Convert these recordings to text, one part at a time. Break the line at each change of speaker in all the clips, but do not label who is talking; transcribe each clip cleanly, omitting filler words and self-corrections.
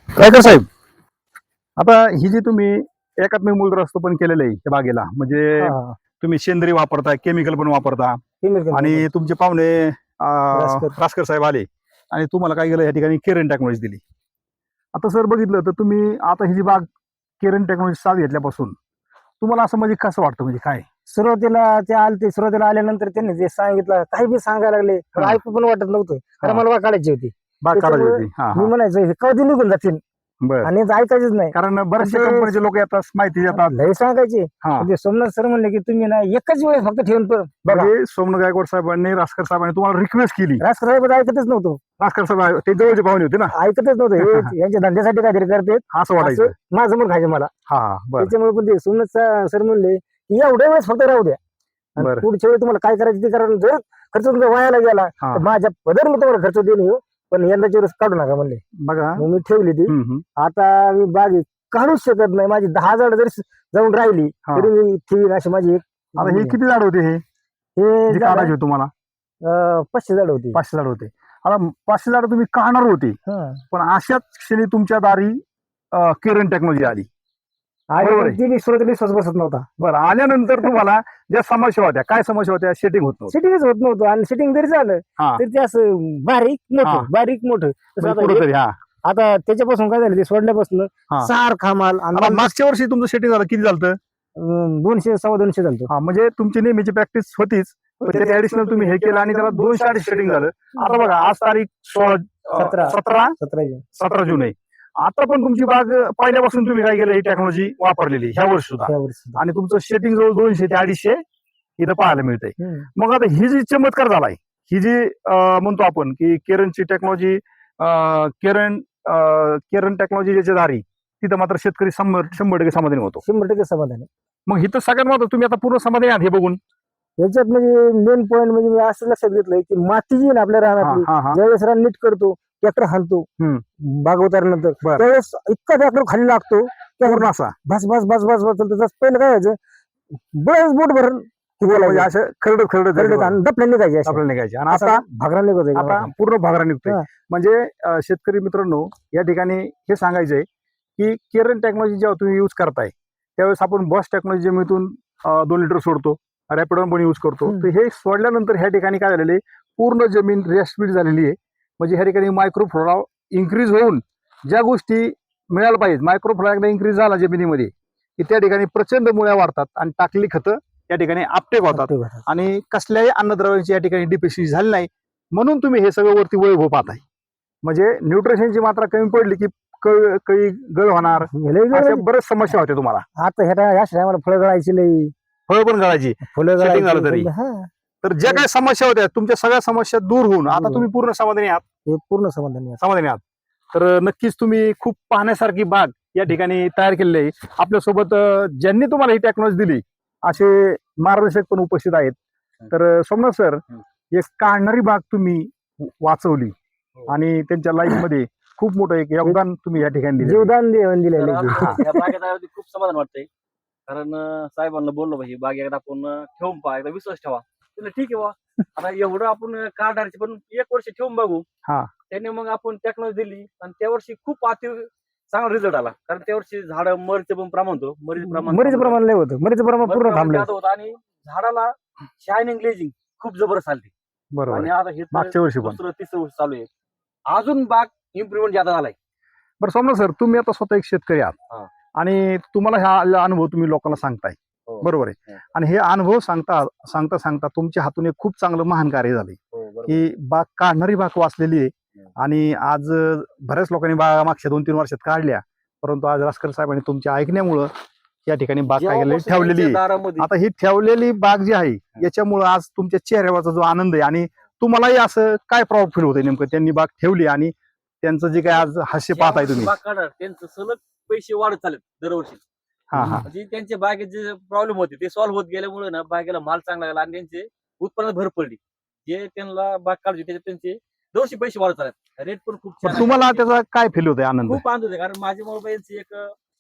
रायकर साहेब, आता ही जी तुम्ही एकात्मिक मूलद्रव्य केलेलं आहे त्या बागेला, म्हणजे तुम्ही सेंद्रिय वापरता, केमिकल पण वापरता, आणि तुमचे पाहुणे रासकर साहेब आले आणि तुम्हाला काय केलं, या ठिकाणी केरन टेक्नॉलॉजी दिली. आता सर बघितलं तर तुम्ही आता ही जी बाग केरन टेक्नॉलॉजी साथ घेतल्यापासून तुम्हाला असं म्हणजे कसं वाटतं, म्हणजे काय
सुरुवातीला आल्यानंतर त्यांनी जे सांगितलं काही बी सांगायला लागले, पण ऐकू पण वाटत नव्हतं, कारण मला बाग काढायची होती.
बाग काढायची होती.
मी म्हणायचं हे कधी निघून जातील, आणि ऐकायचीच नाही,
कारण बरेचसे कंपनीचे लोक येतात, माहिती देतात,
लय सांगायचे. सोमनाथ सर म्हणले की तुम्ही ना एकच वेळेस फक्त ठेवून बघा.
सोमनाथ गायकवाड साहेबांनी, रासकर साहेबांनी तुम्हाला रिक्वेस्ट केली.
रासकर साहेब ऐकतच नव्हतं.
रासकर साहेब ते जवळचे पाहुणे होते ना,
ऐकतच नव्हतं. यांच्या धंद्यासाठी काहीतरी करतात
असं वाटायचं,
माझं मग खायचं मला. त्याच्यामुळे पण ते सोमनाथ सर म्हणले की एवढ्या वेळेस फक्त राहू द्या, पुढच्या वेळी तुम्हाला काय करायचं ते करा. जर खर्च तुमचा वायाला गेला तर माझ्या पदर मी तुम्हाला खर्च देईन, पण यंदाच्या वेळेस काढू नका म्हणले. बघा मी ठेवली ती. आता मी बागी काढूच शकत नाही, माझी 10 झाड जरी जाऊन राहिली तरी मी ठेवीन अशी माझी एक.
आता हे किती झाड होते हे काढायचे तुम्हाला?
500 झाड होती.
500 झाड होते. आता 500 झाड तुम्ही काढणार होते, पण अशाच क्षणी तुमच्या दारी केरन टेक्नॉलॉजी आली.
ती सुरुवातीला विश्वास बसत नव्हता.
बरं, आल्यानंतर तुम्हाला ज्या समस्या होत्या, काय समस्या होत्या? सेटिंग होत नव्हतं.
सेटिंगच होत नव्हतं, आणि सेटिंग जरी झालं तर ते असं बारीक मोठं. आता त्याच्यापासून काय झालं, ते सोडल्यापासून सारखा माल.
मागच्या वर्षी तुमचं सेटिंग झालं, किती झालं?
200 250 झालं.
म्हणजे तुमची नेहमीची प्रॅक्टिस होतीच, त्याच्या ऍडिशनल तुम्ही हे केलं आणि त्याला 200 सेटिंग झालं. आता बघा, आज तारीख 17 जून आहे. आता पण तुमची बाग पहिल्यापासून तुम्ही काय केलं, ही टेक्नॉलॉजी वापरलेली ह्या वर्षी सुद्धा, आणि तुमचं सेटिंग जवळ 200 ते 250 इथं पाहायला मिळतंय. मग आता ही जी चमत्कार झालाय, ही जी म्हणतो आपण की केरनची टेक्नॉलॉजी, केरन टेक्नॉलॉजी ज्याच्या दारी, तिथं मात्र शेतकरी 100% समाधानी होतो.
100% समाधानी.
मग इथं सगळ्यात महत्त्वाचं, तुम्ही आता पूर्ण समाधानी आहात हे बघून?
याच्यात म्हणजे मेन पॉईंट म्हणजे मी असं लक्षात घेतलंय की माती जी ना आपल्या रानातली, ज्यावेळेस रान नीट करतो, ट्रॅक्टर हाणतो बाग उतारल्यानंतर, त्यावेळेस इतका ट्रॅक्टर खाली लागतो पूर्ण असा बस बस बस बस बस. पहिलं काय व्हायचं, बस बोट भरून
असं खरडत
दपल्या
निघायचे, आणि आता
भागरा निघतोय,
आता पूर्ण भागरा निघतोय. म्हणजे शेतकरी मित्रांनो, या ठिकाणी हे सांगायचंय की केरन टेक्नॉलॉजी जेव्हा तुम्ही यूज करताय, त्यावेळेस आपण बॉस टेक्नॉलॉजी जमिनीतून 2 लिटर सोडतो, रॅपिडॉन पण यूज करतो. तर हे सोडल्यानंतर ह्या ठिकाणी काय झालेलं आहे, पूर्ण जमीन रेस्टफीड झालेली आहे. म्हणजे ह्या ठिकाणी मायक्रोफ्लोरा इन्क्रीज होऊन ज्या गोष्टी मिळायला पाहिजेत, मायक्रोफ्लोरा एकदा इन्क्रीज झाला जमिनीमध्ये की त्या ठिकाणी प्रचंड मुळ्या वाढतात, आणि टाकलेली खतं या ठिकाणी आपटेक होतात, आणि कसल्याही अन्नद्रव्यांची या ठिकाणी डिफिशियन्सी झाली नाही. म्हणून तुम्ही हे सगळं वरती वैभव पाहताय. म्हणजे न्यूट्रिशनची मात्रा कमी पडली की काही गळ होणार, बरेच समस्या होत्या तुम्हाला.
आता ह्या फळं गळायची नाही,
फळं पण गळायची,
फुलं
सेटिंग झालं तरी. तर ज्या काही समस्या होत्या, तुमच्या सगळ्या समस्या दूर होऊन आता तुम्ही पूर्ण समाधानी आहात.
पूर्ण समाधानी
आहात. तर नक्कीच तुम्ही खूप पाहण्यासारखी बाग या ठिकाणी तयार केलेली आहे. आपल्यासोबत ज्यांनी तुम्हाला ही टेक्नॉलॉजी दिली असे मार्गदर्शक पण उपस्थित आहेत. तर सोमनाथ सर, एक काढणारी बाग तुम्ही वाचवली, आणि त्यांच्या लाईफ मध्ये खूप मोठं एक योगदान तुम्ही या ठिकाणी
जीवदान दिलेलं.
खूप समाधान वाटतंय, कारण साहेबांना बोललो भाई, बाग एकदा आपण ठेवून पहा, एकदा विश्वास ठेवा. ठीक आहे बा, आता एवढं आपण काढायचे, पण 1 वर्ष ठेवून बघू. त्याने मग आपण टेक्नॉलॉजी दिली, आणि त्या वर्षी खूप चांगला रिझल्ट आला. कारण त्या वर्षी झाड मरीचं पण प्रमाण होतं,
मरीचं प्रमाण नाही होतं, मरीचं प्रमाण पूर्ण थांबलं
होतं, आणि झाडाला शायनिंग ग्लेजिंग खूप जबरदस्त आली.
बरोबर.
आणि आता हे
मागच्या वर्षी
दुसरं 3रं वर्ष चालू आहे, अजून बाग इम्प्रुव्हमेंट जादा झालाय.
बरं सोमनाथ सर, तुम्ही आता स्वतः एक शेतकरी आहात, आणि तुम्हाला हा अनुभव तुम्ही लोकांना सांगताय, बरोबर आहे, आणि हे अनुभव सांगता तुमच्या हातून एक खूप चांगलं महान कार्य झाले की बाग काढणारी बाग वाचलेली आहे. आणि आज बऱ्याच लोकांनी बाग मागच्या 2-3 वर्षात काढल्या, परंतु आज रासकर साहेबांनी तुमच्या ऐकण्यामुळं या ठिकाणी बाग काय ठेवलेली आहे. आता ही ठेवलेली बाग जी आहे, याच्यामुळं आज तुमच्या चेहऱ्यावरचा जो आनंद आहे, आणि तुम्हालाही असं काय प्राऊड फील होतंय नेमकं, त्यांनी बाग ठेवली आणि त्यांचं जे काय आज हास्य पाहताय तुम्ही?
बाग काढणार, त्यांचं सलग पैसे वाढत चालत दरवर्षी. म्हणजे त्यांच्या बागेत जे प्रॉब्लेम होते ते सॉल्व्ह होत गेल्यामुळे ना, बागेला माल चांगला लागला, आणि त्यांचे उत्पन्नात भर पडली. जे त्यांना बाग काढली त्याच्यात त्यांचे दरवर्षी पैसे वाढत चालत, रेट पण खूप छान.
तुम्हाला त्याचा काय फील होतोय? आनंद
खूप आनंद होते, कारण माझ्या मोबाईलची एक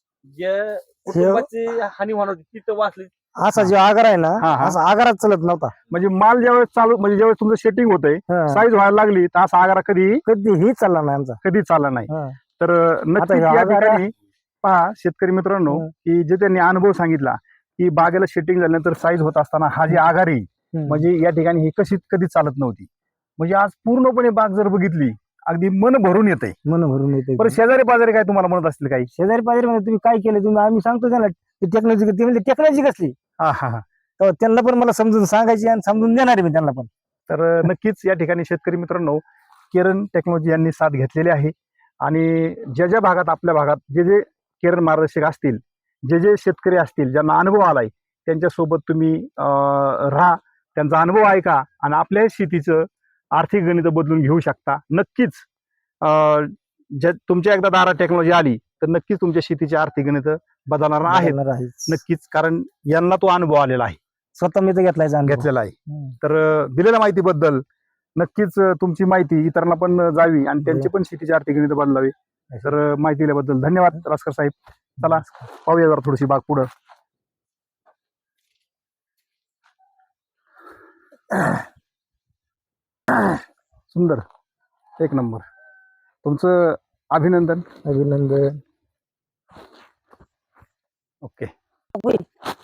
जे कुटुंबाची हानी होणार होती तिथं वाचली.
असा जो आगार आहे ना, असा आगारात चालत नव्हता.
म्हणजे माल ज्यावेळेस चालू, म्हणजे ज्यावेळेस तुमचं सेटिंग होतंय, साईज व्हायला लागली, तर असा आगारा कधीही
चालला नाही आमचा,
कधीच चालला नाही. तर नक्कीच
ह्या
या
आगारा-
ठिकाणी पहा शेतकरी मित्रांनो की जे त्यांनी अनुभव सांगितला की बागेला शेटिंग झाल्यानंतर साईज होत असताना हा जी आघारी म्हणजे या ठिकाणी ही कधीच चालत नव्हती. म्हणजे आज पूर्णपणे बाग जर बघितली अगदी मन भरून येते.
मन भरून येते.
बरं शेजारी पाजारी काय तुम्हाला म्हणत असतील काही?
शेजारी पाजारी म्हणजे तुम्ही काय केलं तुम्ही, आम्ही सांगतो त्यांना टेक्नॉलॉजी, ते म्हणजे टेक्नॉलॉजी कसली,
हा हा हा.
तर त्यांना पण मला समजून सांगायची आणि समजून देणार मी त्यांना पण.
तर नक्कीच या ठिकाणी शेतकरी मित्रांनो केरन टेक्नॉलॉजी यांनी साथ घेतलेली आहे. आणि ज्या ज्या भागात आपल्या भागात जे जे केरन मार्गदर्शक असतील, जे जे शेतकरी असतील ज्यांना अनुभव आलाय त्यांच्यासोबत तुम्ही राहा, त्यांचा अनुभव ऐका आणि आपल्या शेतीचं आर्थिक गणित बदलून घेऊ शकता. नक्कीच ज्या तुमच्या एकदा दारात टेक्नॉलॉजी आली तर नक्कीच तुमच्या शेतीची आर्थिक गणित बदलणार आहेत.
बदलणार आहेच.
नक्कीच, कारण यांना तो अनुभव आलेला आहे,
स्वतः मी तर
घेतलेला आहे. तर दिलेल्या माहितीबद्दल नक्कीच तुमची माहिती इतरांना पण जावी आणि त्यांची पण शेतीची आर्थिक गणित बदलावी. तर माहिती दिल्याबद्दल धन्यवाद रासकर साहेब. चला पाहूया जरा थोडीशी बाग पुढं. सुंदर, एक नंबर. तुमचं अभिनंदन.
अभिनंदन.
ओके.